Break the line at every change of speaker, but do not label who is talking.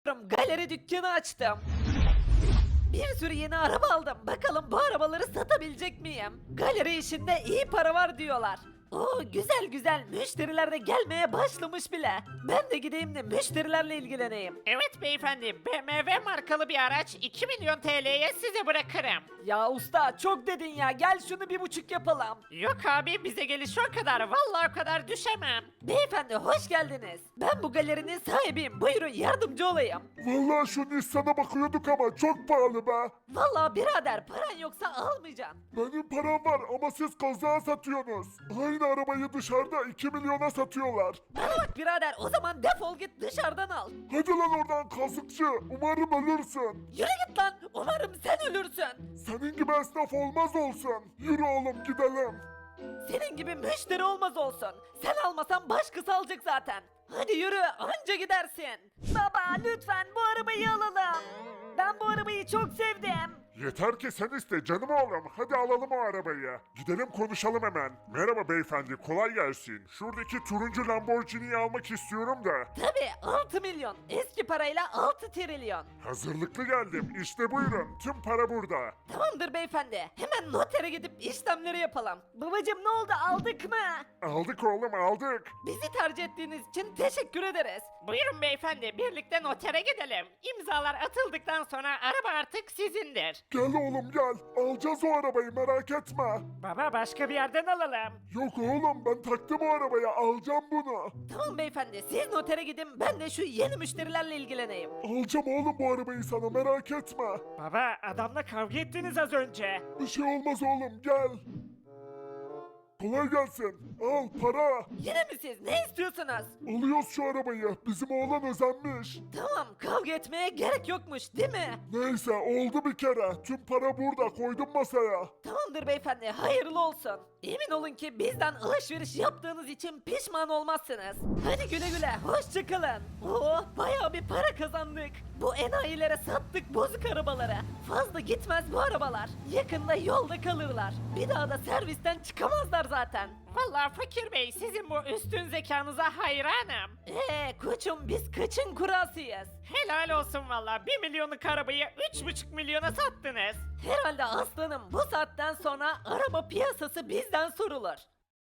Galeri dükkanı açtım. Bir sürü yeni araba aldım. Bakalım bu arabaları satabilecek miyim? Galeri işinde iyi para var diyorlar. Oo güzel güzel, müşteriler de gelmeye başlamış bile. Ben de gideyim de müşterilerle ilgileneyim.
Evet beyefendi, BMW markalı bir araç 2 milyon TL'ye size bırakırım.
Ya usta çok dedin ya, gel şunu 1,5 yapalım.
Yok abi, bize geliş o kadar, vallahi o kadar düşemem.
Beyefendi hoş geldiniz. Ben bu galerinin sahibiyim, buyurun yardımcı olayım.
Vallahi şu Nissan'a bakıyorduk ama çok pahalı be.
Vallahi birader paran yoksa almayacaksın.
Benim param var ama siz kazağa satıyorsunuz. Aynı arabayı dışarıda 2 milyona satıyorlar.
Bana bak birader, o zaman defol git dışarıdan al.
Hadi lan oradan kazıkçı. Umarım ölürsün.
Yürü git lan, umarım sen ölürsün.
Senin gibi esnaf olmaz olsun. Yürü oğlum gidelim.
Senin gibi müşteri olmaz olsun. Sen almasan başkası alacak zaten. Hadi yürü, anca gidersin. Baba lütfen bu arabayı alalım. Ben bu arabayı çok sevdim.
Yeter ki sen iste canım oğlum. Hadi alalım o arabayı. Gidelim konuşalım hemen. Merhaba beyefendi, kolay gelsin. Şuradaki turuncu Lamborghini'yi almak istiyorum da.
Tabii 6 milyon. Eski parayla 6 trilyon.
Hazırlıklı geldim. İşte buyurun. Tüm para burada.
Tamamdır beyefendi. Hemen notere gidip işlemleri yapalım. Babacım ne oldu, aldık mı?
Aldık oğlum aldık.
Bizi tercih ettiğiniz için teşekkür ederiz.
Buyurun beyefendi, birlikte notere gidelim. İmzalar atıldıktan sonra araba artık sizindir.
Gel oğlum gel. Alacağız o arabayı merak etme.
Baba, başka bir yerden alalım.
Yok oğlum ben taktım o arabaya alacağım bunu.
Tamam beyefendi, siz notere gidin, ben de şu yeni müşterilerle ilgileneyim.
Alacağım oğlum bu arabayı sana merak etme.
Baba, adamla kavga ettiniz az önce.
Bir şey olmaz oğlum gel. Kolay gelsin. Al para.
Yine mi siz? Ne istiyorsunuz?
Alıyoruz şu arabayı. Bizim oğlan özenmiş.
Tamam, kavga etmeye gerek yokmuş değil mi?
Neyse oldu bir kere. Tüm para burada koydum masaya.
Tamamdır beyefendi, hayırlı olsun. Emin olun ki bizden alışveriş yaptığınız için pişman olmazsınız. Hadi güle güle, hoşçakalın. Oo, bayağı bir para kazandık. Bu enayilere sattık bozuk arabaları. Fazla gitmez bu arabalar. Yakında yolda kalırlar. Bir daha da servisten çıkamazlar zaten.
Vallahi Fakir Bey, sizin bu üstün zekanıza hayranım.
Koçum biz kaçın kurasıyız?
Helal olsun vallahi, 1 milyonluk arabayı 3,5 milyona sattınız.
Herhalde aslanım, bu saatten sonra araba piyasası bizden sorulur.